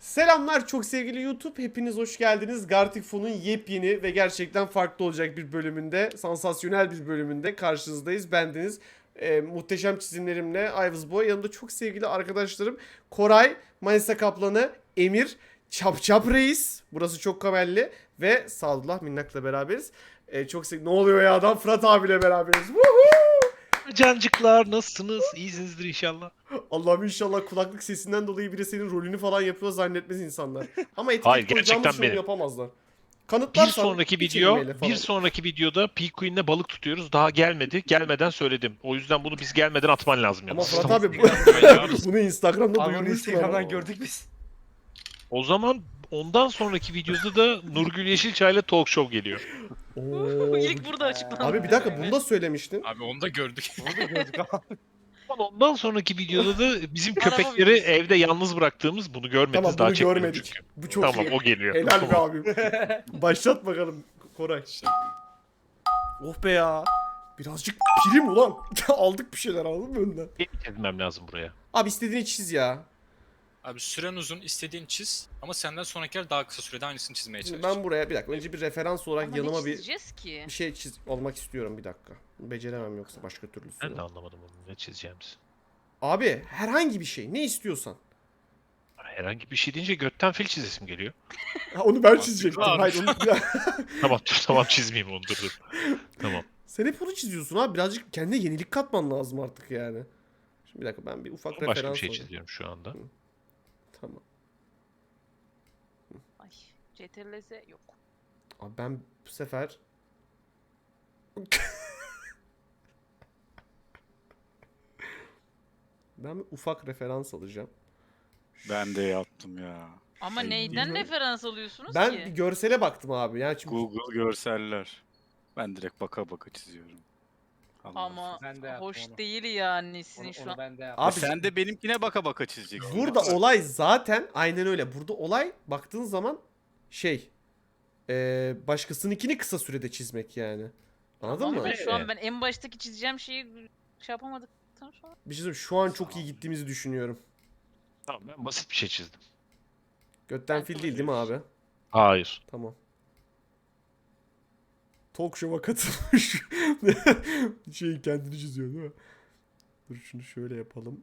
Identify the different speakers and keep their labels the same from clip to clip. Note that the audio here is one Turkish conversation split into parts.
Speaker 1: Selamlar çok sevgili YouTube. Hepiniz hoş geldiniz. Gartic Fon'un yepyeni ve gerçekten farklı olacak bir bölümünde, sansasyonel bir bölümünde karşınızdayız. Bendeniz muhteşem çizimlerimle Ayvız Boy. Yanımda çok sevgili arkadaşlarım Koray, Manisa Kaplanı, Emir, Çap Reis. Burası çok kamelli ve Sadullah Minnak'la beraberiz. Çok sevgili... Ne oluyor ya adam? Fırat abiyle beraberiz. Woohoo!
Speaker 2: Cancıklar nasılsınız? İyisinizdir inşallah.
Speaker 1: Allah'ım inşallah kulaklık sesinden dolayı biri senin rolünü falan yapıyor zannetmez insanlar. Ama etiket
Speaker 2: Hayır,
Speaker 1: koyacağımız
Speaker 2: gerçekten
Speaker 1: şunu
Speaker 2: benim.
Speaker 1: yapamazlar.
Speaker 2: Bir
Speaker 1: Kanıtlarsan
Speaker 2: sonraki
Speaker 1: bir kelimeyle
Speaker 2: video,
Speaker 1: falan.
Speaker 2: bir sonraki videoda P-Queen'le balık tutuyoruz. Daha gelmedi. Gelmeden söyledim. O yüzden bunu biz gelmeden atman lazım
Speaker 1: Ama
Speaker 2: yalnız.
Speaker 1: Fırat
Speaker 2: Tamam.
Speaker 1: abi bunu Instagram'da
Speaker 3: Abi onu
Speaker 1: duyurmuştun
Speaker 3: Instagram'dan
Speaker 1: ama.
Speaker 3: gördük biz.
Speaker 2: O zaman ondan sonraki videoda da Nurgül Yeşilçay'la talk show geliyor.
Speaker 1: Oo.
Speaker 4: İlk burada açıklandı.
Speaker 1: Abi bir dakika bunu da söylemiştin.
Speaker 5: Abi onu da gördük.
Speaker 3: Onu da gördük abi.
Speaker 2: Ondan sonraki videoda da bizim
Speaker 4: Araba
Speaker 2: köpekleri
Speaker 4: videosu.
Speaker 2: evde yalnız bıraktığımız bunu görmediniz.
Speaker 1: Tamam
Speaker 2: daha
Speaker 1: bunu
Speaker 2: çekmedim
Speaker 1: görmedik.
Speaker 2: çünkü.
Speaker 1: Bu çok
Speaker 2: Tamam
Speaker 1: iyi.
Speaker 2: o geliyor.
Speaker 1: Helal be
Speaker 2: Tamam.
Speaker 1: abim. Başlat bakalım Koray. Oh be ya. Birazcık prim ulan. Aldık bir şeyler aldın mı önden?
Speaker 2: Benim çizmem lazım buraya.
Speaker 1: Abi istediğini çiz ya.
Speaker 5: Abi süren uzun, istediğin çiz ama senden sonrakiler daha kısa sürede aynısını çizmeye
Speaker 1: Şimdi
Speaker 5: çalış.
Speaker 1: ben buraya bir dakika önce bir referans olarak
Speaker 4: Ama
Speaker 1: yanıma
Speaker 4: ne
Speaker 1: bir
Speaker 4: çizeceğiz ki?
Speaker 1: bir şey olmak istiyorum bir dakika. Beceremem yoksa başka türlüsü.
Speaker 2: Ben de anlamadım onu ne çizeceğimizi.
Speaker 1: Abi herhangi bir şey ne istiyorsan.
Speaker 2: Herhangi bir şey deyince götten fil çizesim geliyor.
Speaker 1: Ha, onu ben çizecektim.
Speaker 5: Abi.
Speaker 1: Hayır onu
Speaker 2: Tamam dur tamam çizmeyeyim onu dur. Tamam.
Speaker 1: Sen hep onu çiziyorsun abi. Birazcık kendine yenilik katman lazım artık yani. Şimdi bir dakika ben bir ufak referans
Speaker 2: Başka bir şey
Speaker 1: alayım.
Speaker 2: çiziyorum şu anda.
Speaker 1: Tamam.
Speaker 4: Ay, CTRL-Z yok.
Speaker 1: Abi ben bu sefer ben bir ufak referans alacağım.
Speaker 6: Ben de yaptım ya.
Speaker 4: Ama
Speaker 1: Ay,
Speaker 4: neyden
Speaker 1: bilmiyorum.
Speaker 4: referans alıyorsunuz
Speaker 1: Ben
Speaker 4: ki?
Speaker 1: bir görsele baktım abi. Yani çünkü
Speaker 6: Google görseller. Ben direkt baka baka çiziyorum. Allah
Speaker 4: Ama
Speaker 3: Ben de yaptım
Speaker 4: hoş
Speaker 3: onu.
Speaker 4: değil yani sizin
Speaker 3: Onu,
Speaker 4: şu
Speaker 3: onu
Speaker 4: an.
Speaker 3: ben de yaptım.
Speaker 1: abi
Speaker 6: Sen de benimkine baka baka çizeceksin.
Speaker 1: burada olay zaten aynen öyle. Burada olay baktığın zaman şey başkasınınkini kısa sürede çizmek yani. Anladın
Speaker 4: Ama
Speaker 1: mı?
Speaker 4: şu an ben en baştaki çizeceğim şeyi şey yapamadıktan sonra.
Speaker 1: Bir şey söyleyeyim, şu an çok iyi gittiğimizi düşünüyorum.
Speaker 2: Tamam ben basit bir şey çizdim.
Speaker 1: Götten fil değil mi abi?
Speaker 2: Hayır.
Speaker 1: Tamam. Talk show'a katılmış. Şey kendini çiziyor değil mi? Dur şunu şöyle yapalım.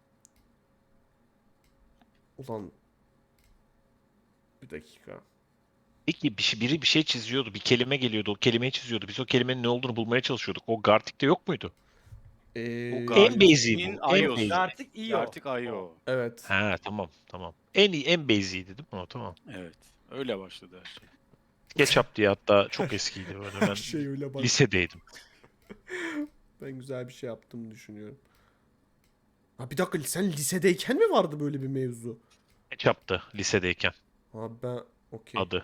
Speaker 1: Ulan. Bir dakika.
Speaker 2: Peki biri bir şey çiziyordu. Bir kelime geliyordu. O kelimeyi çiziyordu. Biz o kelimenin ne olduğunu bulmaya çalışıyorduk. O Gartic'te yok muydu? En basic'i bu. En
Speaker 6: iOS.
Speaker 2: basic.
Speaker 3: Artık iyi o.
Speaker 6: Artık IO.
Speaker 1: Evet.
Speaker 2: Ha tamam. En basic'iydi değil mi o? Tamam.
Speaker 6: Evet. Öyle başladı her şey.
Speaker 2: SketchUp diye hatta çok eskiydi böyle.
Speaker 1: Her
Speaker 2: Ben
Speaker 1: şey öyle bak.
Speaker 2: lisedeydim.
Speaker 1: Ben güzel bir şey yaptığımı düşünüyorum. Ha bir dakika sen lisedeyken mi vardı böyle bir mevzu?
Speaker 2: SketchUp'tı lisedeyken
Speaker 1: Abi ben okey.
Speaker 2: adı.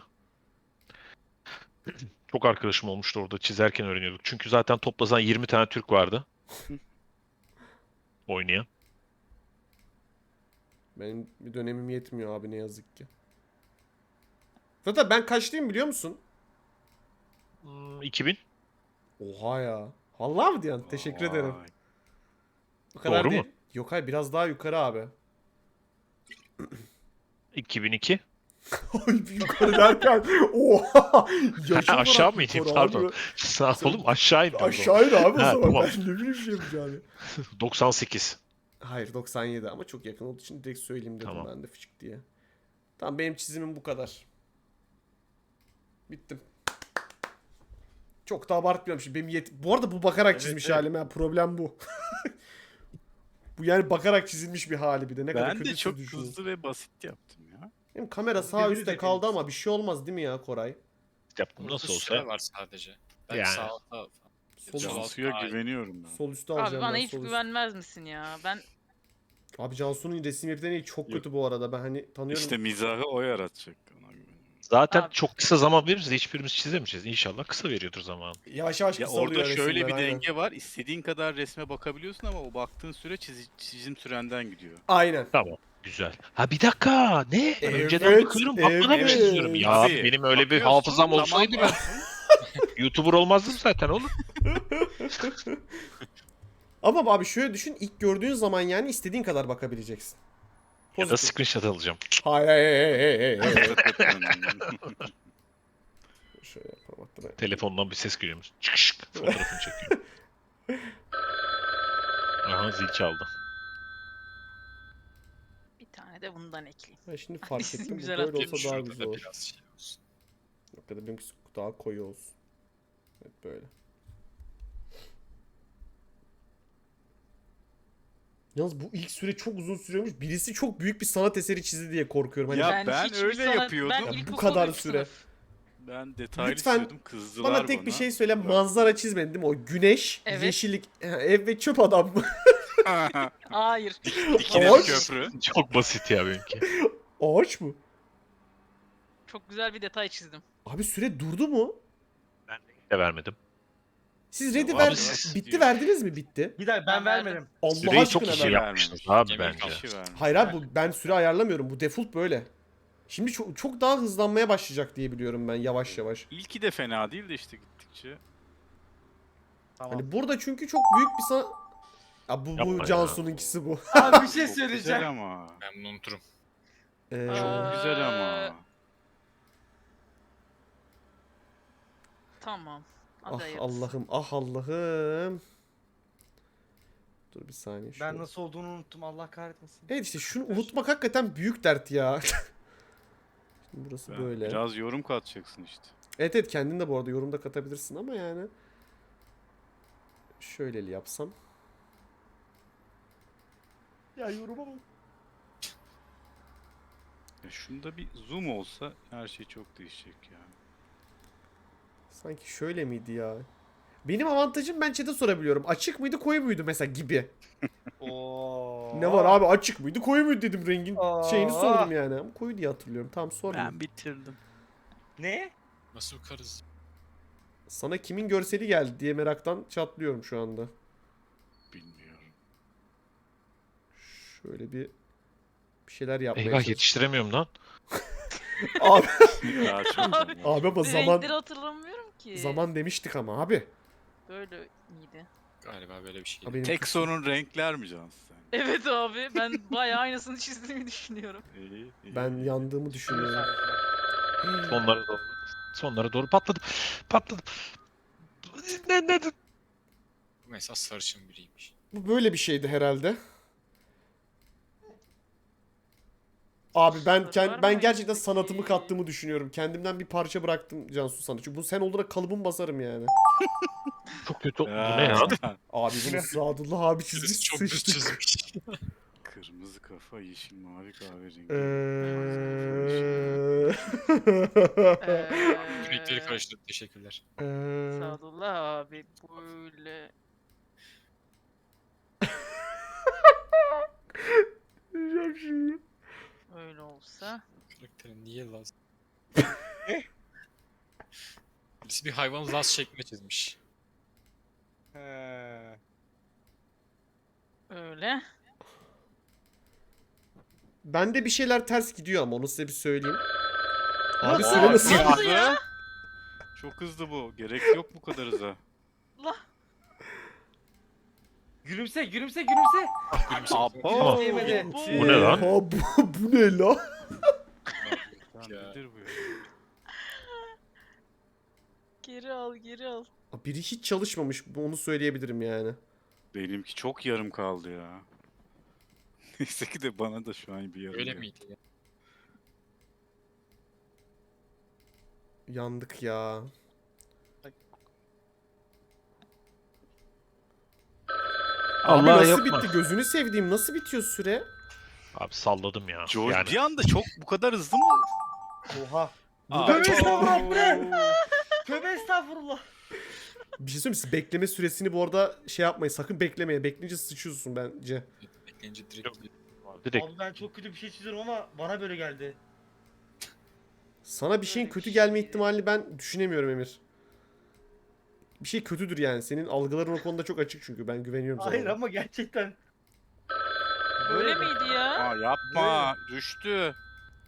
Speaker 2: Çok arkadaşım olmuştu orada çizerken öğreniyorduk. Çünkü zaten toplasan 20 tane Türk vardı. Oynayan.
Speaker 1: Benim bir dönemim yetmiyor abi ne yazık ki. Zaten ben kaçlıyım biliyor musun?
Speaker 2: 2000.
Speaker 1: Oha ya. Vallahi mı diyorsun? Teşekkür ederim.
Speaker 6: Vay.
Speaker 1: O kadar
Speaker 2: Doğru
Speaker 1: değil.
Speaker 2: mu?
Speaker 1: Yok hayır biraz daha yukarı abi.
Speaker 2: 2002.
Speaker 1: Ay bir yukarı derken oha. Yaş olarak
Speaker 2: Aşağı mı
Speaker 1: yukarı
Speaker 2: ineyim?
Speaker 1: abi.
Speaker 2: Pardon. Sağ olun aşağı indim.
Speaker 1: Aşağı in abi o
Speaker 2: Ha,
Speaker 1: zaman.
Speaker 2: tamam.
Speaker 1: Ben ne bileyim bir şey yapacağını.
Speaker 2: 98.
Speaker 1: Hayır 97 ama çok yakın olduğu için direkt söyleyeyim dedim
Speaker 2: Tamam.
Speaker 1: ben de fıçık diye. Tamam benim çizimim bu kadar. Bittim. Çok da abartmıyorum şimdi. Bu arada bu bakarak
Speaker 6: Evet,
Speaker 1: çizmiş
Speaker 6: evet.
Speaker 1: halim ha. Problem bu. Bu yani bakarak çizilmiş bir hali bir de. Ne kadar
Speaker 6: Ben
Speaker 1: kötü
Speaker 6: de çok
Speaker 1: düşünün.
Speaker 6: hızlı ve basit yaptım ya.
Speaker 1: Benim kamera sağ
Speaker 3: Birbirinize
Speaker 1: üstte kaldı
Speaker 3: benziyor.
Speaker 1: ama bir şey olmaz değil mi ya Koray?
Speaker 2: Yaptım
Speaker 5: Burada
Speaker 2: nasıl
Speaker 5: süre
Speaker 2: olsa.
Speaker 5: var sadece. Ben
Speaker 2: Yani.
Speaker 5: sağ alta
Speaker 1: Sol,
Speaker 5: Sol-
Speaker 6: Cansu'ya
Speaker 5: Ay.
Speaker 6: güveniyorum ben.
Speaker 1: sol üstte
Speaker 4: Abi
Speaker 1: alacağım
Speaker 4: bana
Speaker 1: ben
Speaker 4: hiç
Speaker 1: sol üst.
Speaker 4: güvenmez misin ya? Ben
Speaker 1: Abi Cansu'nun resim yeteneği çok
Speaker 6: Yok.
Speaker 1: kötü bu arada. Ben hani tanıyorum.
Speaker 6: İşte mizahı o yaratacak. Ona güveniyorum.
Speaker 2: Zaten
Speaker 4: Abi.
Speaker 2: çok kısa zaman veririz de hiçbirimiz çizemeyeceğiz. İnşallah kısa veriyordur zaman.
Speaker 1: Yavaş yavaş
Speaker 6: Ya
Speaker 1: kısalıyor
Speaker 6: orada şöyle
Speaker 1: resimler,
Speaker 6: bir
Speaker 1: aynen.
Speaker 6: denge var. İstediğin kadar resme bakabiliyorsun ama o baktığın süre çizim sürenden gidiyor.
Speaker 1: Aynen.
Speaker 2: Tamam. Güzel. Ha bir dakika. Ne? Ben
Speaker 1: Evet,
Speaker 2: önceden bakıyorum. Bakmadan
Speaker 1: evet.
Speaker 2: çiziyorum. Ya
Speaker 6: Abi,
Speaker 2: benim öyle bir
Speaker 6: bakıyorsun,
Speaker 2: hafızam
Speaker 6: tamam.
Speaker 2: olsaydı ben YouTuber olmazdım zaten oğlum.
Speaker 1: Ama abi şöyle düşün. İlk gördüğün zaman yani istediğin kadar bakabileceksin.
Speaker 2: Ya da
Speaker 1: Pozitif.
Speaker 2: screenshot alacağım.
Speaker 1: Hayır hayır. Şöyle yapalım hatta.
Speaker 2: Telefondan bir ses geliyormuş. Çıkışık. Fotoğrafını çekiyor. Aha zil çaldı.
Speaker 4: Bir tane de bundan ekleyeyim.
Speaker 1: Ben şimdi
Speaker 4: Ay,
Speaker 1: fark
Speaker 4: sizin
Speaker 1: ettim. Bu
Speaker 4: güzel
Speaker 1: böyle
Speaker 4: hatırlamış.
Speaker 1: olsa daha
Speaker 5: Şurada
Speaker 1: güzel
Speaker 5: da
Speaker 1: olur.
Speaker 5: biraz şey olsun.
Speaker 1: Ya da benimkisi daha koyu olsun. Evet böyle. Yalnız bu ilk süre çok uzun sürüyormuş. Birisi çok büyük bir sanat eseri çizdi diye korkuyorum. Hani
Speaker 6: Ya ben
Speaker 4: hiçbir
Speaker 6: öyle yapıyordum.
Speaker 4: Ben
Speaker 6: Ya
Speaker 1: bu
Speaker 4: ilkokulda
Speaker 1: kadar
Speaker 4: üç
Speaker 1: süre.
Speaker 4: sınıf.
Speaker 6: Ben detaylı
Speaker 1: Lütfen
Speaker 6: çiziyordum, kızdılar
Speaker 1: bana tek bir şey söyle. Manzara çizmedin değil mi? O güneş,
Speaker 4: Evet.
Speaker 1: yeşillik, ev ve çöp adam mı?
Speaker 4: Hayır.
Speaker 6: Dikine
Speaker 1: Ağaç.
Speaker 6: bir köprü.
Speaker 2: Çok basit ya benimki.
Speaker 1: Ağaç mı?
Speaker 4: Çok güzel bir detay çizdim.
Speaker 1: Abi süre durdu mu?
Speaker 2: Ben de vermedim.
Speaker 1: Siz ready
Speaker 6: Abi
Speaker 1: ver...
Speaker 2: siz-
Speaker 1: Bitti verdiniz mi? Bitti.
Speaker 3: Bir dakika ben
Speaker 4: Ben verdim.
Speaker 3: vermedim.
Speaker 1: Allah
Speaker 2: Süreyi çok
Speaker 1: aşkına
Speaker 2: iyi
Speaker 1: ver.
Speaker 2: yapmışsınız abi
Speaker 5: Yemin
Speaker 2: bence.
Speaker 5: kalmış.
Speaker 6: Kişi vermiş.
Speaker 1: Hayır abi ben süre ayarlamıyorum. Bu default böyle. Şimdi çok daha hızlanmaya başlayacak diye biliyorum ben yavaş yavaş.
Speaker 6: İlki de fena değil de işte gittikçe.
Speaker 3: Tamam.
Speaker 1: Hani burada çünkü çok büyük bir sana... Ya bu
Speaker 2: Yapma ya.
Speaker 1: Cansu'nunkisi bu.
Speaker 3: Abi bir şey
Speaker 6: Çok
Speaker 3: söyleyeceğim.
Speaker 6: güzel ama.
Speaker 5: Ben bunu unuturum.
Speaker 6: Çok güzel ama.
Speaker 4: Tamam.
Speaker 1: Ah
Speaker 4: Hadi hayırlısı.
Speaker 1: Allah'ım, ah Allah'ım. Dur bir saniye.
Speaker 3: Ben
Speaker 1: şunu-
Speaker 3: nasıl olduğunu unuttum Allah kahretmesin.
Speaker 1: Evet işte şunu unutmak hakikaten büyük dert ya. Şimdi burası
Speaker 6: Ben-
Speaker 1: böyle.
Speaker 6: Biraz yorum katacaksın işte.
Speaker 1: Evet evet kendin de bu arada yorumda katabilirsin ama yani. Şöyleli yapsam.
Speaker 3: Ya yoruma bak.
Speaker 6: Ya şunda bir zoom olsa her şey çok değişecek ya.
Speaker 1: Sanki şöyle miydi ya? Benim avantajım ben chat'e sorabiliyorum. Açık mıydı koyu muydu mesela gibi.
Speaker 3: Oo.
Speaker 1: Ne var abi açık mıydı koyu muydu dedim rengin şeyini
Speaker 3: Aa.
Speaker 1: sordum yani. Ama koyu diye hatırlıyorum. Tamam sormayayım.
Speaker 6: Ben bitirdim.
Speaker 3: Ne?
Speaker 5: Nasıl bakarız?
Speaker 1: Sana kimin görseli geldi diye meraktan çatlıyorum şu anda.
Speaker 6: Bilmiyorum.
Speaker 1: Şöyle bir şeyler yapmaya
Speaker 2: Eyvah
Speaker 1: çalışıyorum.
Speaker 2: yetiştiremiyorum lan.
Speaker 1: Abi,
Speaker 6: Daha çok
Speaker 4: Abi,
Speaker 6: zaman.
Speaker 1: abi ama
Speaker 4: Renkleri hatırlamıyorum ki.
Speaker 1: zaman demiştik ama abi.
Speaker 4: Böyle miydi?
Speaker 5: Galiba böyle bir şey.
Speaker 1: Abi benim
Speaker 6: Tek sorun renkler mi Cansu sen?
Speaker 4: Evet abi ben bayağı aynısını çizdiğimi düşünüyorum.
Speaker 6: İyi, iyi.
Speaker 1: ben yandığımı düşünüyorum.
Speaker 2: Sonlara doğru. Sonlara doğru patladım. Patladım. Ne?
Speaker 5: Bu mesela sarışın biriymiş.
Speaker 1: Bu böyle bir şeydi herhalde. Abi
Speaker 4: Sorular
Speaker 1: ben
Speaker 4: mı
Speaker 1: gerçekten
Speaker 4: peki?
Speaker 1: sanatımı kattığımı düşünüyorum. Kendimden bir parça bıraktım Cansu sana. Çünkü bu sen olarak kalıbımı basarım yani.
Speaker 2: Çok kötü. Bu
Speaker 6: Ya,
Speaker 2: ne ya?
Speaker 1: Abi bunu Sadullah abi çizmiş
Speaker 5: Birisi çok düz
Speaker 1: sıçtık.
Speaker 5: çizmiş.
Speaker 6: Kırmızı kafa, yeşil, mavi, kahverengi.
Speaker 5: Renkleri karıştırıp teşekkürler.
Speaker 4: Sadullah abi böyle.
Speaker 1: Diyeceğim şimdi.
Speaker 4: Öyle olsa.
Speaker 5: Karakterin niye Laz? Birisi bir hayvan Laz şeklinde çizmiş.
Speaker 3: He.
Speaker 4: Öyle.
Speaker 1: Bende bir şeyler ters gidiyor ama onu size bir söyleyeyim. Abi
Speaker 6: Aa,
Speaker 1: süre nasıl?
Speaker 4: Nasıl ya?
Speaker 6: Çok hızlı bu. Gerek yok bu kadar hıza.
Speaker 4: Allah.
Speaker 3: Gülümse.
Speaker 5: Gülümse.
Speaker 6: Abo.
Speaker 3: Değmedi.
Speaker 2: Bu ne lan?
Speaker 1: Oha, bu ne la?
Speaker 6: Lan nedir bu ya?
Speaker 4: Geri al geri al.
Speaker 1: Biri hiç çalışmamış. Onu söyleyebilirim yani.
Speaker 6: Benimki çok yarım kaldı ya. Neyse ki de bana da şu an bir yarım
Speaker 5: Öyle
Speaker 6: geldi.
Speaker 5: miydi ya?
Speaker 1: Yandık ya. Abi
Speaker 2: Allah
Speaker 1: nasıl
Speaker 2: yapma.
Speaker 1: bitti? Gözünü sevdiğim nasıl bitiyor süre?
Speaker 2: Abi salladım ya.
Speaker 6: George
Speaker 2: Yani
Speaker 6: bir anda çok bu kadar hızlı mı?
Speaker 3: Oha.
Speaker 6: Aa,
Speaker 3: Tövbe estağfurullah bu ne? Tövbe estağfurullah.
Speaker 1: Bir şey söyleyeyim mi? Siz bekleme süresini bu arada şey yapmayın. Sakın beklemeye. Bekleyince sıçıyorsun bence.
Speaker 5: Bekleyince direkt
Speaker 2: direkt
Speaker 3: Abi ben çok kötü bir şey çiziyorum ama bana böyle geldi.
Speaker 1: Sana bir şeyin
Speaker 4: Öyle bir
Speaker 1: kötü
Speaker 4: şey.
Speaker 1: gelme ihtimalini ben düşünemiyorum Emir. Bir şey kötüdür yani. Senin algıların o konuda çok açık çünkü. Ben güveniyorum sana.
Speaker 3: Hayır ama gerçekten.
Speaker 4: Böyle miydi ya?
Speaker 6: Aa, yapma. Düştü.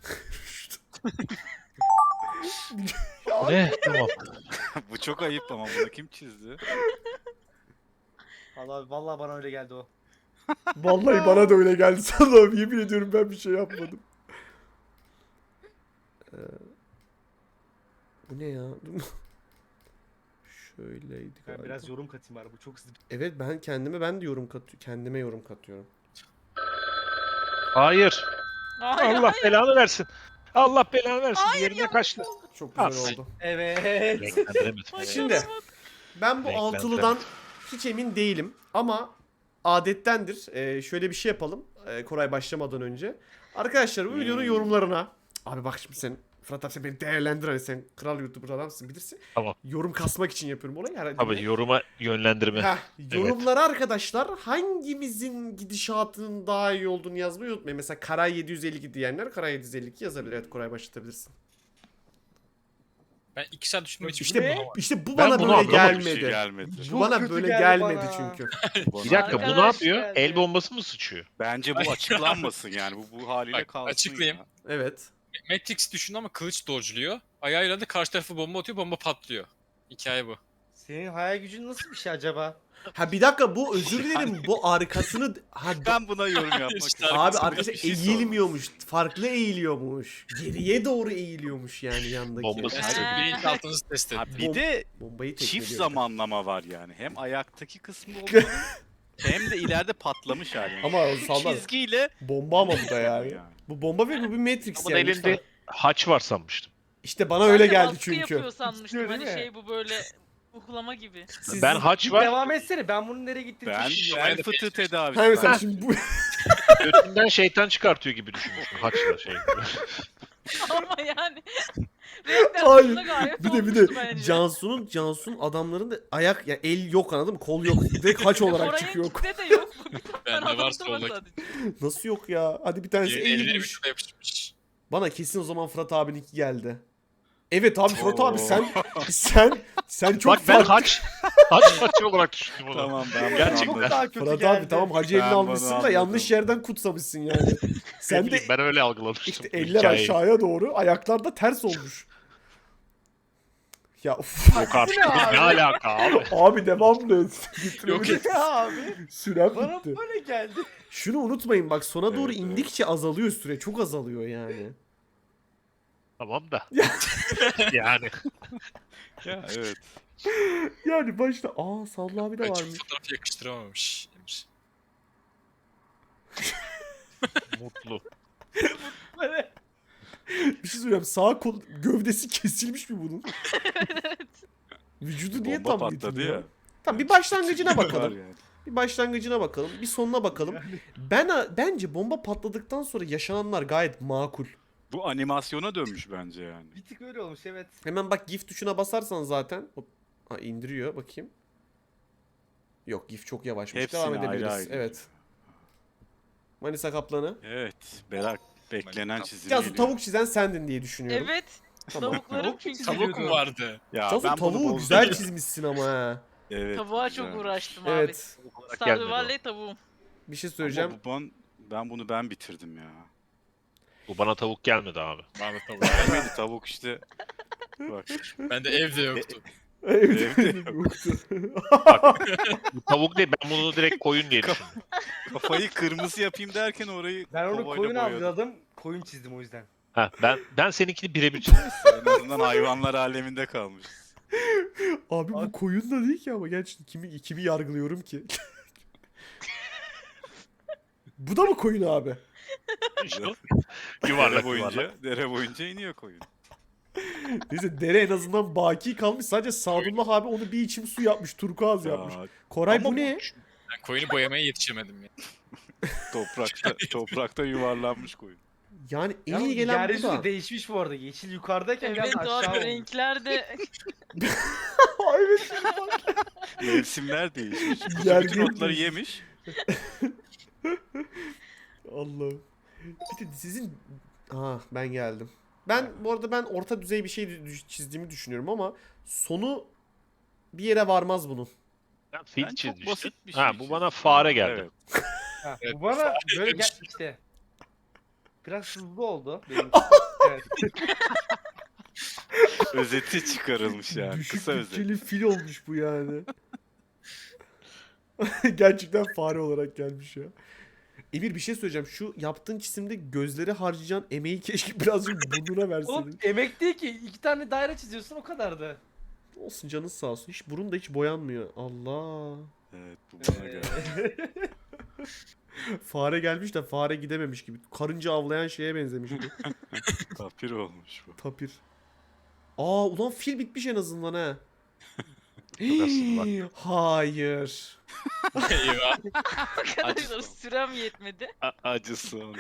Speaker 2: ne? Tamam.
Speaker 6: Bu çok ayıp ama bunu kim çizdi?
Speaker 3: Vallahi bana öyle geldi o.
Speaker 1: Vallahi bana da öyle geldi Allah'ım, yemin ediyorum ben bir şey yapmadım. Bu ne ya? Şöyleydi
Speaker 3: Ben
Speaker 1: galiba.
Speaker 3: biraz yorum katayım bari, bu çok hızlı.
Speaker 1: Evet, ben de yorum katıyorum. Kendime yorum katıyorum.
Speaker 2: Hayır.
Speaker 4: Hayır,
Speaker 2: Allah
Speaker 4: hayır.
Speaker 2: belanı versin. Allah belanı versin.
Speaker 4: Hayır,
Speaker 2: Diğerine
Speaker 4: yanlış
Speaker 2: kaçtı.
Speaker 4: oldu.
Speaker 1: Çok güzel
Speaker 2: Aferin.
Speaker 1: oldu.
Speaker 3: Evet.
Speaker 2: Renklendiremedim.
Speaker 1: Şimdi ben bu
Speaker 2: Renklendiremedim.
Speaker 1: altılıdan hiç emin değilim ama adettendir. Şöyle bir şey yapalım. Koray başlamadan önce. Arkadaşlar bu videonun yorumlarına. Abi bak şimdi sen Fırat abi sen beni değerlendir, hani sen kral YouTuber adamsın bilirsin.
Speaker 2: Tamam.
Speaker 1: Yorum kasmak için yapıyorum olayı herhalde.
Speaker 2: Tabii yoruma yönlendirme.
Speaker 1: Heh, yorumlara arkadaşlar hangimizin gidişatının daha iyi olduğunu yazmayı unutmayın. Mesela Karay 752 diyenler Karay 752 yazabilir. Evet Koray başlatabilirsin.
Speaker 5: Ben 2 saat düşündüğüm için
Speaker 1: İşte bu
Speaker 2: Ben
Speaker 1: bana
Speaker 2: bunu
Speaker 1: böyle
Speaker 2: anlamadım.
Speaker 6: Bir şey
Speaker 1: gelmedi.
Speaker 6: gelmedi.
Speaker 1: Bu
Speaker 3: Çok
Speaker 1: bana
Speaker 3: kötü
Speaker 1: böyle
Speaker 3: geldi
Speaker 1: gelmedi
Speaker 3: bana.
Speaker 1: çünkü.
Speaker 2: Bir dakika bu ne
Speaker 4: Arkadaş
Speaker 2: yapıyor?
Speaker 3: geldi.
Speaker 2: El bombası mı sıçıyor?
Speaker 6: Bence bu açıklanmasın yani. Bu haliyle
Speaker 5: Bak,
Speaker 6: kalsın
Speaker 5: açıklayayım.
Speaker 6: ya.
Speaker 1: Evet.
Speaker 5: Matrix düşündü ama kılıç dodge'luyor. Ayağıyla da karşı tarafı bomba atıyor, bomba patlıyor. Hikaye bu.
Speaker 3: Senin hayal gücün nasıl bir şey acaba?
Speaker 1: Ha bir dakika, bu özür dilerim, bu arkasını
Speaker 6: Ben buna yorum yapmak
Speaker 5: İşte
Speaker 6: istiyorum.
Speaker 1: abi
Speaker 5: arkasını
Speaker 1: arkadaşlar
Speaker 6: bir şey
Speaker 1: eğilmiyormuş. Farklı eğiliyormuş. Geriye doğru eğiliyormuş yani yandaki.
Speaker 2: Bombası.
Speaker 5: Ben bilinçaltınızı test
Speaker 6: Ha,
Speaker 5: ettim.
Speaker 6: bir de
Speaker 1: Bombayı
Speaker 6: çift
Speaker 1: tekmeliyor.
Speaker 6: zamanlama var yani. Hem ayaktaki kısmı olduğu hem de ileride patlamış hali.
Speaker 1: Ama
Speaker 6: Şu
Speaker 1: sallar.
Speaker 6: çizgiyle
Speaker 1: Bomba ama bu da yani. Bu bomba ve bu bir Matrix
Speaker 2: Ama
Speaker 1: yani.
Speaker 2: elinde haç var sanmıştım.
Speaker 1: İşte bana
Speaker 4: Ben
Speaker 1: öyle
Speaker 4: de
Speaker 1: geldi
Speaker 4: baskı
Speaker 1: çünkü.
Speaker 4: yapıyor sanmıştım.
Speaker 3: İstiyor
Speaker 4: Hani
Speaker 3: değil mi?
Speaker 4: şey bu böyle uhlama gibi.
Speaker 1: Siz-
Speaker 2: Ben haç
Speaker 3: Bir
Speaker 2: var.
Speaker 3: devam etsene, ben bunun nereye gittiğini
Speaker 6: ben
Speaker 3: düşünmüyorum.
Speaker 6: bel fıtığı tedavisi.
Speaker 1: Ha mesela
Speaker 6: ben-
Speaker 1: şimdi bu
Speaker 2: Götünden şeytan çıkartıyor gibi düşünmüştüm. Haçla şey.
Speaker 4: Ama yani.
Speaker 1: Hayır.
Speaker 4: Reklamında gayet
Speaker 1: bir de
Speaker 4: olmuştu bence.
Speaker 1: Cansu'nun adamların da ayak ya el yok, anladın mı? Kol yok. Direkt haç olarak çıkıyor.
Speaker 4: Koray'ınkinde de yok. Bu bir tane
Speaker 5: Bende var
Speaker 4: adamda var
Speaker 5: soldaki.
Speaker 4: sadece.
Speaker 1: Nasıl yok ya? Hadi bir tanesi
Speaker 5: Elleri
Speaker 1: eğilmiş.
Speaker 5: vücuda yapışmış.
Speaker 1: Bana kesin o zaman Fırat abininki geldi. Evet abi Fırat
Speaker 6: Oo.
Speaker 1: abi sen çok
Speaker 2: Bak ben
Speaker 1: farklı.
Speaker 2: haç olarak düşündüm onu.
Speaker 6: Tamam ben bunu
Speaker 2: Gerçekten.
Speaker 6: anladım.
Speaker 3: Çok daha kötü
Speaker 1: Fırat
Speaker 3: geldi.
Speaker 1: abi tamam hacı elini
Speaker 6: Ben bunu
Speaker 1: almışsın da
Speaker 6: anladım.
Speaker 1: yanlış yerden kutsamışsın yani. Sen de
Speaker 2: Ben öyle algılamıştım.
Speaker 1: işte eller
Speaker 2: hikayeyi.
Speaker 1: aşağıya doğru, ayaklar da ters olmuş. Ya uf.
Speaker 2: Yok artık. Ne alaka abi?
Speaker 1: Abi devamlı.
Speaker 5: Yok
Speaker 1: Yok
Speaker 3: Ya abi,
Speaker 1: Sürem
Speaker 3: bana
Speaker 1: bitti.
Speaker 3: böyle geldi.
Speaker 1: Şunu unutmayın bak, sona doğru
Speaker 6: Evet, evet.
Speaker 1: indikçe azalıyor süre. Çok azalıyor yani.
Speaker 2: Tamam da. yani.
Speaker 6: Ya evet.
Speaker 1: Yani başta Salla abi de
Speaker 5: Ben
Speaker 1: varmış.
Speaker 5: çift fotoğrafı yakıştıramamış Emir.
Speaker 2: Mutlu.
Speaker 3: Böyle.
Speaker 1: Bir şey söyleyeyim. Sağ kol gövdesi kesilmiş mi bunun? Vücudu niye
Speaker 6: Bomba
Speaker 1: tam
Speaker 6: patladı
Speaker 1: gitmiyor?
Speaker 6: ya.
Speaker 1: Tamam bir başlangıcına bakalım.
Speaker 6: Var yani.
Speaker 1: Bir başlangıcına bakalım. Bir sonuna bakalım. Bence bomba patladıktan sonra yaşananlar gayet makul.
Speaker 6: Bu animasyona dönmüş bence yani.
Speaker 3: Bir tık öyle olmuş, evet.
Speaker 1: Hemen bak GIF tuşuna basarsan zaten. Hop. Ha, indiriyor bakayım. Yok GIF çok yavaşmış.
Speaker 6: Hepsini
Speaker 1: Devam
Speaker 6: ayrı
Speaker 1: edebiliriz.
Speaker 6: ayrı.
Speaker 1: Evet. Manisa Kaplanı.
Speaker 6: Evet. Berak beklenen çizim
Speaker 1: Cansu
Speaker 6: geliyor.
Speaker 1: tavuk çizen sendin diye düşünüyorum.
Speaker 4: Evet.
Speaker 1: Tamam.
Speaker 4: Tavuklarım
Speaker 3: Tavuk
Speaker 4: çünkü.
Speaker 5: Tavuk mu vardı?
Speaker 6: Ya
Speaker 1: Cansu
Speaker 6: ben bunu
Speaker 1: tavuğu
Speaker 6: bozdum.
Speaker 1: güzel çizmişsin ama ha.
Speaker 6: Evet.
Speaker 4: Tavuğa
Speaker 6: güzel.
Speaker 4: çok uğraştım abi.
Speaker 1: Evet.
Speaker 2: Olarak gelmedi o.
Speaker 4: Stardew tavuğum.
Speaker 1: Bir şey söyleyeceğim.
Speaker 6: Ama ben bunu bitirdim ya.
Speaker 2: Bu bana tavuk gelmedi abi.
Speaker 5: Bana da tavuk.
Speaker 6: Gelmedi tavuk işte. Bak.
Speaker 5: Bende evde yoktu.
Speaker 1: Evet.
Speaker 6: Evde
Speaker 1: yoktu.
Speaker 2: Bu tavuk değil, ben bunu direkt koyun diye düşündüm.
Speaker 6: Kafayı kırmızı yapayım derken orayı
Speaker 3: Ben onu
Speaker 6: kovayla
Speaker 3: koyun
Speaker 6: boyadım.
Speaker 3: avladım, koyun çizdim o yüzden.
Speaker 2: Ha, ben seninkini birebir çizdim.
Speaker 6: En azından hayvanlar aleminde kalmış.
Speaker 1: Abi bu koyun da değil ki ama gerçekten kimi yargılıyorum ki? Bu da mı koyun abi?
Speaker 2: İşte
Speaker 6: Dere
Speaker 2: yuvarlak
Speaker 6: boyunca,
Speaker 2: yuvarlak.
Speaker 6: dere boyunca iniyor koyun.
Speaker 1: Neyse dere en azından baki kalmış. Sadece Sadullah abi onu bir içim su yapmış. Turkuaz yapmış.
Speaker 6: Aa,
Speaker 1: Koray
Speaker 6: ama
Speaker 1: bu ne?
Speaker 5: Ben koyunu boyamaya yetişemedim ya.
Speaker 6: toprakta yuvarlanmış koyun.
Speaker 1: Yani en
Speaker 3: Yalnız
Speaker 1: iyi gelen bu
Speaker 3: yeryüzü
Speaker 1: da.
Speaker 3: de değişmiş bu arada. Yeşil yukarıdayken
Speaker 4: Evet
Speaker 3: biraz aşağı
Speaker 4: abi
Speaker 3: olmuş.
Speaker 4: renkler de
Speaker 1: evet.
Speaker 6: Mevsimler değişmiş.
Speaker 1: Yer
Speaker 6: Bütün otları
Speaker 1: değişmiş.
Speaker 6: yemiş.
Speaker 1: Allah'ım. Bir de sizin... Ben geldim. Bu arada ben orta düzey bir şey çizdiğimi düşünüyorum ama sonu bir yere varmaz bunun.
Speaker 2: Ben fil
Speaker 6: Ben çok
Speaker 2: çizmiştim.
Speaker 6: basit bir şey
Speaker 2: Ha, bu
Speaker 6: çizdim.
Speaker 2: bana fare geldi.
Speaker 6: Evet.
Speaker 3: Ha,
Speaker 5: Evet,
Speaker 3: bu bana böyle
Speaker 5: demiş.
Speaker 3: işte. Biraz hızlı oldu. Benim. Evet.
Speaker 6: Özeti çıkarılmış yani.
Speaker 1: Düşük
Speaker 6: Kısa özet.
Speaker 1: bütçeli fil olmuş bu yani. Gerçekten fare olarak gelmiş ya. Emir bir şey söyleyeceğim. Şu yaptığın çizimde gözleri harcayacağın emeği keşke birazcık burnuna
Speaker 3: Oğlum
Speaker 1: verseydin.
Speaker 3: emek değil ki. 2 tane daire çiziyorsun o kadardı.
Speaker 1: Olsun canınız sağ olsun. Hiç burun da hiç boyanmıyor. Allah.
Speaker 6: Evet bu bana geldi.
Speaker 1: Fare gelmiş de fare gidememiş gibi. Karınca avlayan şeye benzemiş bu.
Speaker 6: Tapir olmuş bu.
Speaker 1: Tapir. Aa ulan fil bitmiş en azından ha.
Speaker 2: aslında
Speaker 1: Hayır.
Speaker 5: Eyvah.
Speaker 4: Arkadaşlar sürem yetmedi.
Speaker 6: Acısı onun.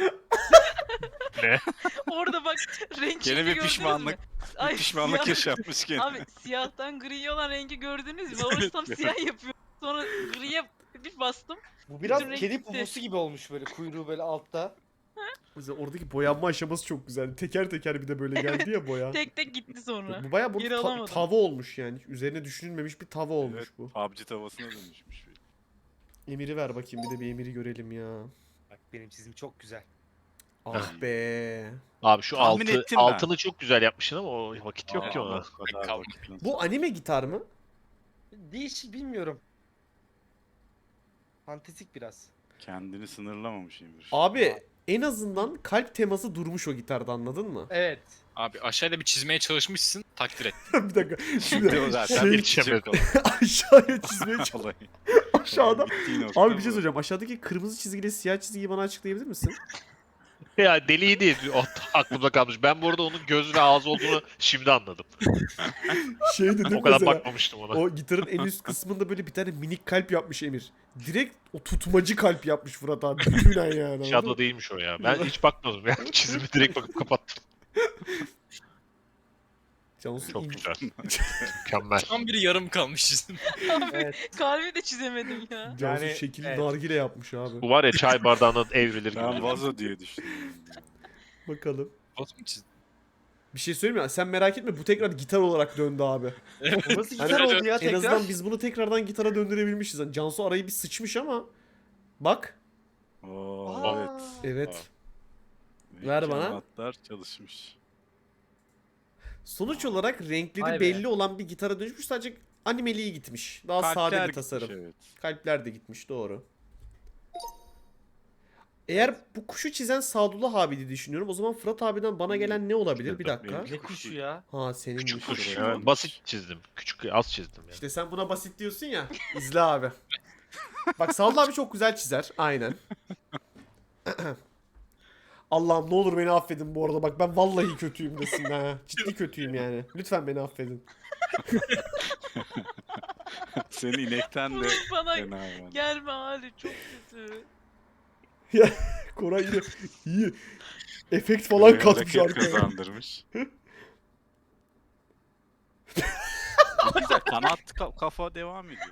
Speaker 4: Orada bak renk
Speaker 6: Gene
Speaker 4: çizgi
Speaker 6: bir
Speaker 4: gördünüz
Speaker 6: pişmanlık.
Speaker 4: mü? Ay,
Speaker 6: Pişmanlık
Speaker 4: siyah-
Speaker 6: yaşanmış gene.
Speaker 4: Abi siyahtan gri olan rengi gördünüz mü? Orası tam siyah yapıyor. Sonra griye bir bastım.
Speaker 3: Bu biraz
Speaker 4: Bütün renk
Speaker 3: kedi
Speaker 4: gitti.
Speaker 3: pupusu gibi olmuş böyle kuyruğu böyle altta.
Speaker 1: O yüzden oradaki boyanma aşaması çok güzel. Teker teker bir de böyle geldi ya boya.
Speaker 4: Tek tek gitti sonra.
Speaker 1: Bu bayağı
Speaker 4: Geri
Speaker 1: burada
Speaker 4: alamadım.
Speaker 1: tava olmuş yani. Üzerine düşünülmemiş bir tava olmuş
Speaker 6: Evet,
Speaker 1: bu.
Speaker 6: PUBG tavasına dönüşmüş.
Speaker 1: Emiri ver bakayım bir de bir Emiri görelim ya.
Speaker 3: Bak benim çizim çok güzel.
Speaker 1: Ah be.
Speaker 2: Abi şu
Speaker 6: Tahmin ettim ben.
Speaker 2: altını çok güzel yapmışsın ama o vakit yok ki
Speaker 6: Aa,
Speaker 2: ona.
Speaker 6: o kadar
Speaker 5: Kaldı.
Speaker 6: vakit nasıl-
Speaker 1: Bu anime gitar mı?
Speaker 3: Değişik bilmiyorum. Fantastik biraz.
Speaker 6: Kendini sınırlamamış Emir.
Speaker 1: Abi en azından kalp teması durmuş o gitarda anladın mı?
Speaker 3: Evet.
Speaker 5: Abi aşağıda bir çizmeye çalışmışsın takdir et.
Speaker 1: Bir dakika. Şimdi
Speaker 6: O zaten
Speaker 1: şey,
Speaker 6: bir çiçek oldu.
Speaker 1: aşağıya çizmeye çalış.
Speaker 6: Vallahi.
Speaker 1: Aşağıda.
Speaker 6: Bittiği nokta
Speaker 1: Abi bir
Speaker 6: bu.
Speaker 1: şey söyleyeceğim. Aşağıdaki kırmızı çizgiyle siyah çizgiyi bana açıklayabilir misin?
Speaker 2: Ya deliydi. O aklımda kalmış. Ben bu arada onun göz ve ağız olduğunu şimdi anladım.
Speaker 1: Şey dedim
Speaker 2: O kadar
Speaker 1: mesela.
Speaker 2: bakmamıştım ona.
Speaker 1: O gitarın en üst kısmında böyle bir tane minik kalp yapmış Emir. Direkt o tutmacı kalp yapmış Fırat abi. Bütünen yani. anladın mı?
Speaker 2: Shadow değilmiş o ya. Ben hiç bakmadım ya. Çizimi direkt bakıp kapattım.
Speaker 1: Cansu
Speaker 2: Çok
Speaker 1: in-
Speaker 2: güzel. Mükemmel.
Speaker 5: Tam biri yarım kalmış çizim.
Speaker 3: Evet.
Speaker 4: Kalbi de çizemedim ya.
Speaker 1: Cansu
Speaker 3: Yani,
Speaker 1: şekilli
Speaker 3: evet.
Speaker 1: nargile yapmış abi.
Speaker 2: Bu var ya çay bardağına evrilir
Speaker 6: Ben
Speaker 2: gibi.
Speaker 6: vazo diye düşündüm.
Speaker 1: Bakalım.
Speaker 5: Bot mu çizdin?
Speaker 1: Bir şey söyleyeyim mi? Sen merak etme bu tekrar gitar olarak döndü abi.
Speaker 3: O nasıl
Speaker 1: Hani
Speaker 3: güzel oldu ya
Speaker 1: En
Speaker 3: tekrar.
Speaker 1: azından biz bunu tekrardan gitara döndürebilmişiz. Yani Cansu arayı bir sıçmış ama. Bak.
Speaker 6: Oo,
Speaker 3: Aa.
Speaker 6: evet.
Speaker 1: Evet.
Speaker 6: Belki
Speaker 1: Ver bana.
Speaker 6: anahtar çalışmış.
Speaker 1: Sonuç olarak renkleri
Speaker 3: Vay be.
Speaker 1: belli olan bir gitara dönüşmüş. Sadece animeliği gitmiş. Daha sade
Speaker 6: Kalpler
Speaker 1: bir
Speaker 6: gitmiş,
Speaker 1: tasarım.
Speaker 6: Evet.
Speaker 1: Kalpler de gitmiş doğru. Eğer bu kuşu çizen Sadullah abi diye düşünüyorum. O zaman Fırat abiden bana gelen ne olabilir? Bir dakika.
Speaker 3: Ne kuşu ya?
Speaker 1: Ha senin
Speaker 2: Küçük kuş.
Speaker 6: Kuş.
Speaker 2: Ya. Basit çizdim. Küçük az çizdim yani.
Speaker 1: İşte sen buna basit diyorsun ya. İzle abi. Bak Sadullah abi çok güzel çizer. Aynen. Allah'ım ne olur beni affedin bu arada. Bak ben vallahi kötüyüm desin ha. Ciddi kötüyüm yani. Lütfen beni affedin.
Speaker 6: Senin inekten de
Speaker 4: Bana
Speaker 6: fena yani.
Speaker 4: gelme hali çok kötü.
Speaker 1: Koray yine iyi. Efekt falan
Speaker 6: Bir
Speaker 1: katmış
Speaker 6: hareket
Speaker 1: arkaya.
Speaker 6: kazandırmış. Güzel kanat kafa devam ediyor.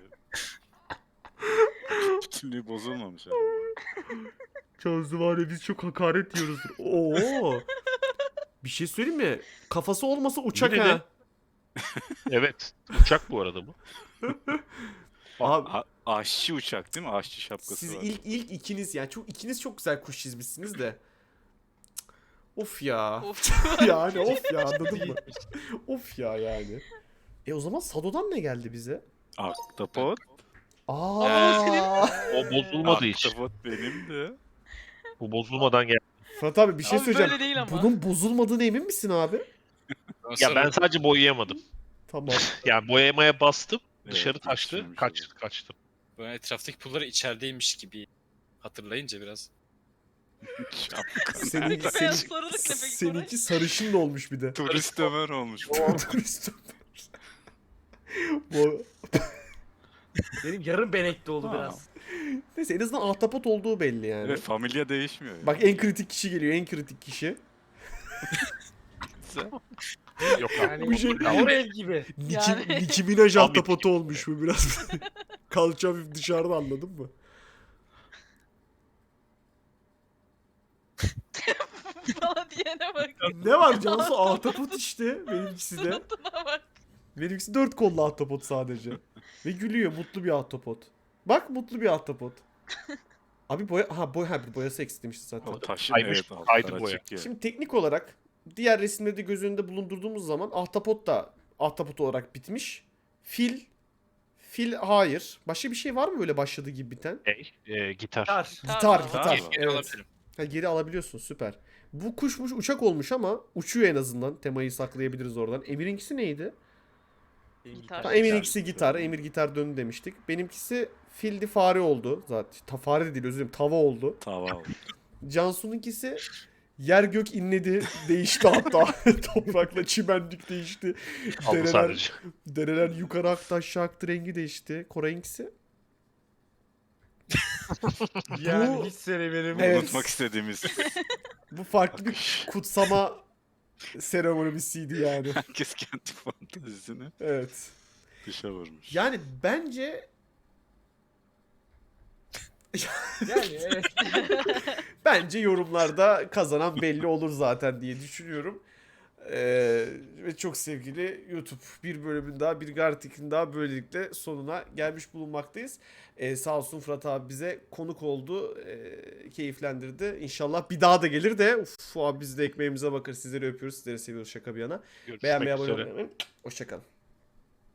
Speaker 6: Bütünlüğü bozulmamış abi.
Speaker 1: Çözüm var ya biz çok hakaret yiyoruz. Oo. Bir şey söyleyeyim mi? Kafası olmasa uçak
Speaker 2: Yine
Speaker 1: ha.
Speaker 2: de- Evet. Uçak bu arada bu.
Speaker 1: Abi
Speaker 6: Aşçı uçak değil mi? Aşçı şapkası
Speaker 1: siz
Speaker 6: var.
Speaker 1: ilk ikiniz yani ikiniz çok güzel kuş çizmişsiniz de. Of ya.
Speaker 4: Of.
Speaker 1: Yani of ya anladın mı? Of ya yani. O zaman Sado'dan ne geldi bize?
Speaker 6: Ahtapot.
Speaker 1: Aa.
Speaker 2: O bozulmadı hiç.
Speaker 6: Ahtapot benim de.
Speaker 2: Bu bozulmadan geldi.
Speaker 1: Fırat abi bir şey
Speaker 4: Abi
Speaker 1: söyleyeceğim.
Speaker 4: böyle değil ama.
Speaker 1: Bunun bozulmadığına emin misin abi?
Speaker 2: Ya ben sadece boyayamadım.
Speaker 1: Tamam.
Speaker 2: Yani boyamaya bastım.
Speaker 6: Evet,
Speaker 2: Dışarı taştı.
Speaker 6: geçirmiş
Speaker 2: Kaçtım.
Speaker 5: Böyle etraftaki pulları içerideymiş gibi hatırlayınca biraz.
Speaker 6: Şapka.
Speaker 1: Senin,
Speaker 4: Beyaz
Speaker 1: senin,
Speaker 4: sarılık ne peki
Speaker 1: seninki sarışın da olmuş bir de.
Speaker 6: Turist Ömer olmuş.
Speaker 1: Turist Bu
Speaker 3: Benim yarım benekli oldu
Speaker 6: Ha.
Speaker 3: biraz.
Speaker 1: neyse en azından ahtapot olduğu belli yani.
Speaker 6: Evet familya değişmiyor. Yani.
Speaker 1: Bak en kritik kişi geliyor en kritik kişi.
Speaker 2: Yok abi.
Speaker 3: Yani
Speaker 1: Bu şey-
Speaker 3: Orel gibi.
Speaker 4: Yani.
Speaker 1: Nicki Minaj
Speaker 2: Tam
Speaker 1: ahtapotu olmuş bu biraz. Kalça hafif dışarıda anladın mı?
Speaker 4: Bana diyene bak.
Speaker 1: Ne var Cansu ahtapot işte benimkisi de.
Speaker 4: Suratına bak.
Speaker 1: Benimkisi 4 kollu ahtapot sadece. Ve gülüyor mutlu bir ahtapot. Bak mutlu bir ahtapot. Abi boyası eksik demişti zaten.
Speaker 6: O taşın
Speaker 2: Kaymış,
Speaker 6: evet altlar
Speaker 2: kaydı boya.
Speaker 6: açık ya.
Speaker 1: Şimdi teknik olarak diğer resimleri de göz önünde bulundurduğumuz zaman ahtapot da ahtapot olarak bitmiş. Fil Fil hayır. Başka bir şey var mı böyle başladığı gibi biten?
Speaker 2: Gitar.
Speaker 3: Tar.
Speaker 1: Gitar,
Speaker 4: var.
Speaker 1: gitar.
Speaker 5: Geri
Speaker 1: Evet.
Speaker 5: alabilirim.
Speaker 1: Ha, geri alabiliyorsun, süper. Bu kuşmuş, uçak olmuş ama uçuyor en azından. Temayı saklayabiliriz oradan. Emir'inkisi neydi?
Speaker 4: Gitar.
Speaker 1: Ha, Emir'inkisi gitar. Emir gitar döndü demiştik. Benimkisi fildi, fare oldu. Zaten fare de değil, özür dilerim, tava oldu.
Speaker 6: Tava oldu.
Speaker 1: Cansu'nunkisi yer gök inledi, değişti hatta. Toprakla çimenlik değişti.
Speaker 2: Aldı
Speaker 1: Dereler,
Speaker 2: sadece.
Speaker 1: dereler yukarı aktı, aşağı aktı, rengi değişti. Koray'ınkisi.
Speaker 3: Yani
Speaker 1: Bu-
Speaker 3: hiç sevmedim.
Speaker 1: Evet.
Speaker 6: Unutmak istediğimiz.
Speaker 1: Bu farklı bir kutsama seremonisiydi yani.
Speaker 6: Herkes kendi fantezisini
Speaker 1: Evet.
Speaker 6: dışa vurmuş.
Speaker 1: Yani bence
Speaker 3: Yani evet.
Speaker 1: bence yorumlarda kazanan belli olur zaten diye düşünüyorum. Ve çok sevgili YouTube, bir bölümün daha, bir Gartic'in daha böylelikle sonuna gelmiş bulunmaktayız. Sağ olsun Fırat abi bize konuk oldu. Keyiflendirdi. İnşallah bir daha da gelir de abi biz de ekmeğimize bakar. Sizleri öpüyoruz. Sizleri seviyoruz şaka bir yana.
Speaker 2: Görüşmek
Speaker 1: Beğenmeyi, abone
Speaker 2: üzere.
Speaker 1: olmayı unutmayın. Hoşçakalın.